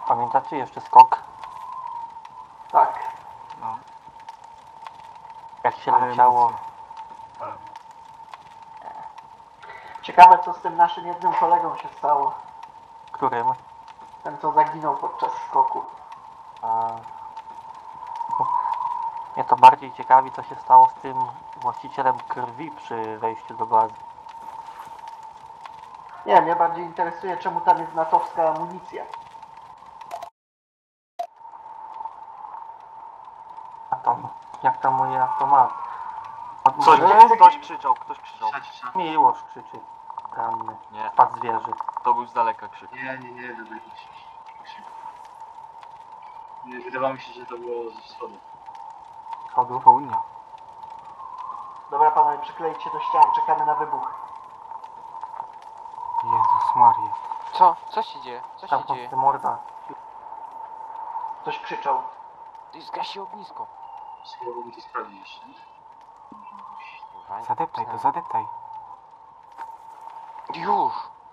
Pamiętacie jeszcze skok? Tak. No. Jak się leciało. Ciekawe, co z tym naszym jednym kolegą się stało. Którym? Ten, co zaginął podczas skoku. Mnie to bardziej ciekawi, co się stało z tym właścicielem krwi przy wejściu do bazy. Nie, mnie bardziej interesuje, czemu tam jest natowska amunicja. A to, jak tam moje automat? Ktoś krzyczał. Miłosz krzyczy. Ranny. Nie, Wpadł zwierzy. to był z daleka krzyk. Nie, dobra, nie. Wydawało mi się, że to było ze wschodu. Chodu. Południa. Dobra, panowie, przyklejcie do ścian, czekamy na wybuch. Jezus Maria. Co? Co się dzieje? Co Tam się dzieje? ty morda. Ktoś krzyczał. Ty zgasi ognisko. Spróbowałbym to sprawdzić jeszcze. Kurwa, Zadeptaj to, zadeptaj. Już!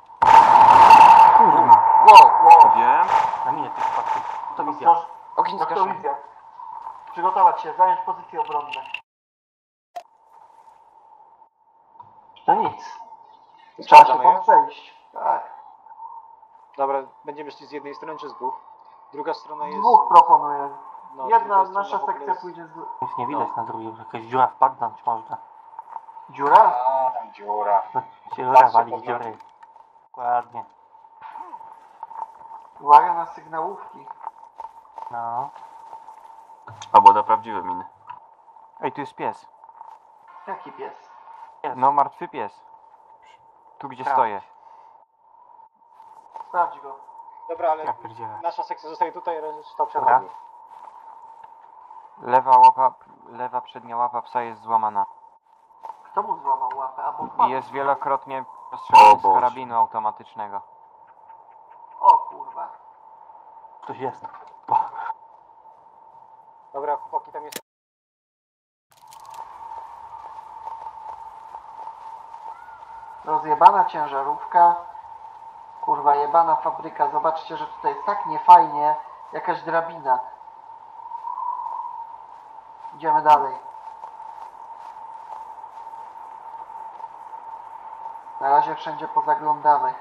Kurwa. Wow! Wiem. Na minie tych spadków. To wizja. Ostroż... Ogień zgaszony. Noktowizja. Przygotować się, zająć pozycje obronne. To nic. Trzeba się Sprawdzamy tam już? przejść. Tak. Dobra, będziemy szli z jednej strony czy z dwóch? Druga strona jest... Dwóch proponuję. No, Jedna druga strona nasza w ogóle sekcja jest- pójdzie z... Nic nie widać na drugim. Jakaś dziura wpadnąć można. Dziura? A, tam dziura. Dziura Patrzę walić pod dziury. Dokładnie. Uwaga na sygnałówki. No. Albo na prawdziwe miny. Ej, tu jest pies. Jaki pies? No, martwy pies. Tu gdzie Tak. stoję. Sprawdź go. Dobra, ale Ja pierdzielę. nasza sekcja zostaje tutaj, reszta Dobra. przechodzi. Lewa przednia łapa psa jest złamana. Kto mu złamał łapę? Albo I wpadł. jest wielokrotnie O postrzelony z Boże. karabinu automatycznego. O kurwa. Ktoś jest. Dobra, chłopaki, tam jest... Rozjebana ciężarówka. Kurwa, jebana fabryka. Zobaczcie, że tutaj jest tak niefajnie. Jakaś drabina. Idziemy dalej. Na razie wszędzie pozaglądamy.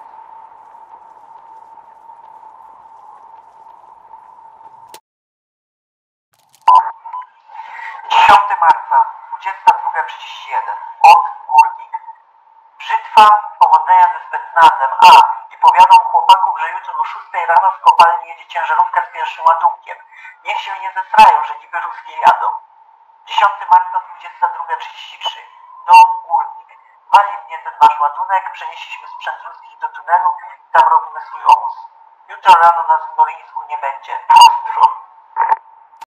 Marca, 22:31. Od Górnik. Brzytwa, powodzenia ze specnazem. I powiadam chłopaków, że jutro o 6 rano z kopalni jedzie ciężarówka z pierwszym ładunkiem. Niech się nie zesrają, że niby ruskie jadą. 10 marca, 22:33. Do Górnik. Wali mnie ten wasz ładunek, przenieśliśmy sprzęt ruskich do tunelu i tam robimy swój obóz. Jutro rano na Zmolińsku nie będzie. Pozdro.